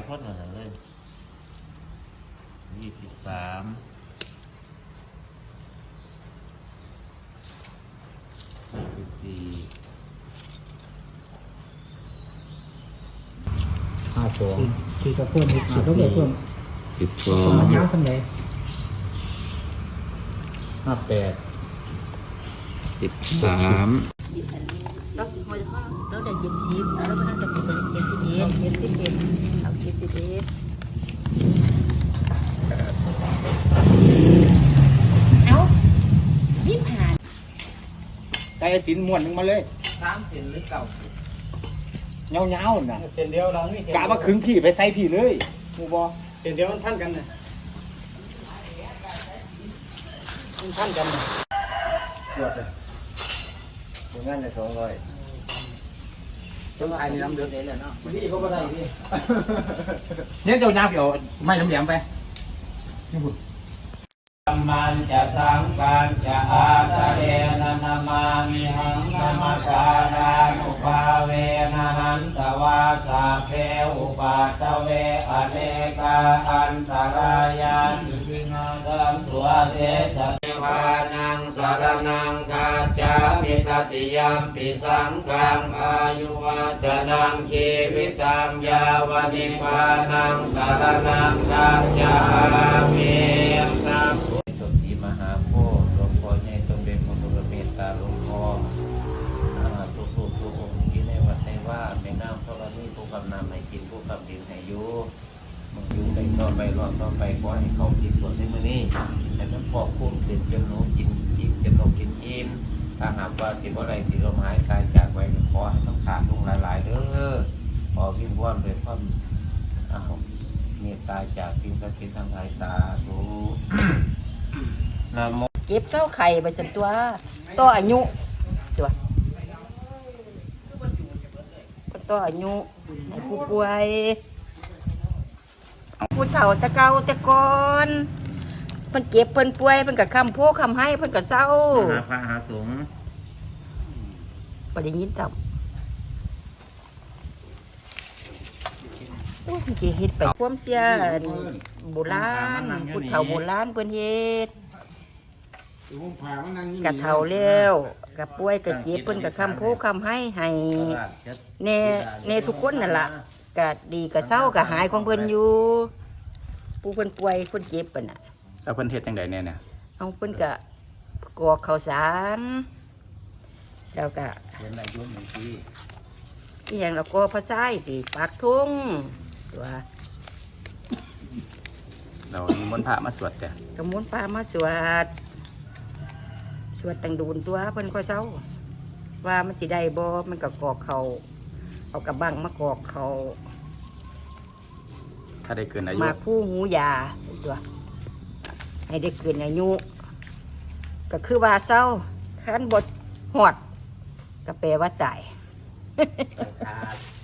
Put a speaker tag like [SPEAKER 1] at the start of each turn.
[SPEAKER 1] คนอะไรเลย23
[SPEAKER 2] 52คือจะเพิ่มอีกก็เลยเพิ่มมันยาวสักไหน58
[SPEAKER 1] 13
[SPEAKER 3] เราจะ70แล้วมันจะเป็น71เอา71เอานี่ผ่าน
[SPEAKER 2] ไก่สินม้วนนึงมาเลย
[SPEAKER 1] 3 เซนหรือ9
[SPEAKER 2] เงาๆน่ะ
[SPEAKER 4] เส้นเดียวเรานี่
[SPEAKER 2] กะมาขึงพี่ไปใส่พี่เลยหมู่บ่
[SPEAKER 4] เส้นเดียวมันพันกันนะมันพันกันนะ
[SPEAKER 2] ตรวจเลยถึงงั้นจะ200ต้องไอ้นี่น้ำเดือดเลยเนาะ
[SPEAKER 4] นี่เขาก็ได้นี่
[SPEAKER 2] เนี่ยเจ้ายาเปียวไม่น้ำแหลมไปนี่พุ่น
[SPEAKER 1] มันจะสังการจะอาตเรนะนามามิหังนามาสารานุภาเวนะหันตวาสาเพอุปาตเวอเนกาอันตรายานุปินาสัมตัวเทสเทวานังสารนังกาจามิตติยมปิสังฆังอายุวัจนังชีวิตังยาวนิพพานังสารนังกาจามิสัมสมทีมหาโพธิ์หลวงพ่อในตนเป็นคนบุรเมตตาหลวงพ่อทุกองค์ที่ในวัดในว่าในน้ำธรณีผู้กำนำให้กินผู้กำดินให้อยู่มึงอยู่ไปต่อไปรอดต่อไปขอให้เขากินส่วนในมื้อนี้ให้มันพอคุ้มเกินจนหนูกินอิ่มจนนกกินอิ่มถ้าหากว่าสิบ่ได้สิลมหายตายจากไว้ขอให้ต้องขาดลงหลายๆเด้อขอวิงวอนด้วยความเมตตาจากสิ่งศักดิ์สิทธิ์ทั้งหลายสาธุนะโม
[SPEAKER 3] เก็บเจ้าไข่ไปสันตัวต่ออายุตัวต่ออายุให้ผู้ป่วยผู้เฒ่าตะเกาตะกอนเพิ่นเก็บเพิ่นป่วยเพิ่นก็คำโพคำให้เพิ่นก็เศร้า
[SPEAKER 1] หาพระหาสงฆ์
[SPEAKER 3] บ่ได้ยินจับโอ้ยสิเฮ็ดไปความเสียโบราณผู้เฒ่าโบราณเพิ่นเฮ็ดกะเฒ่าแล้วกะป่วยกะเจ็บเพิ่นก็คำโพคำให้แน่ทุกคนนั่นล่ะกะดีกะเศร้ากะหายของเพิ่นอยู่ผู้เพิ่นป่วยเพิ่นเจ็บปะน่ะ
[SPEAKER 2] แล้วเพิ่นเฮ็ดจังได๋เนี่ย
[SPEAKER 3] เอาเพิ่นกะกรอกข้าวสารแล้วก็
[SPEAKER 1] เห็นอายุหนึ่งปี
[SPEAKER 3] อีหยังแล้วก็พระไส้ปีปากทุ่งตัว
[SPEAKER 2] เรานิมนต์พระมาสวดจ้ะ
[SPEAKER 3] กระมุนปลามาสวดตังดูนตัวเพิ่นก็เศร้าว่ามันสิได้บ่มันก็กรอกเขาเอากระบังมากรอกเขา
[SPEAKER 2] ถ้าได้เกินอายุ
[SPEAKER 3] มาผู้หูยาตัวให้ได้เกินอายุก็คือว่าเศร้าคันบดหอดก็แปลว่าตาย
[SPEAKER 1] ขาด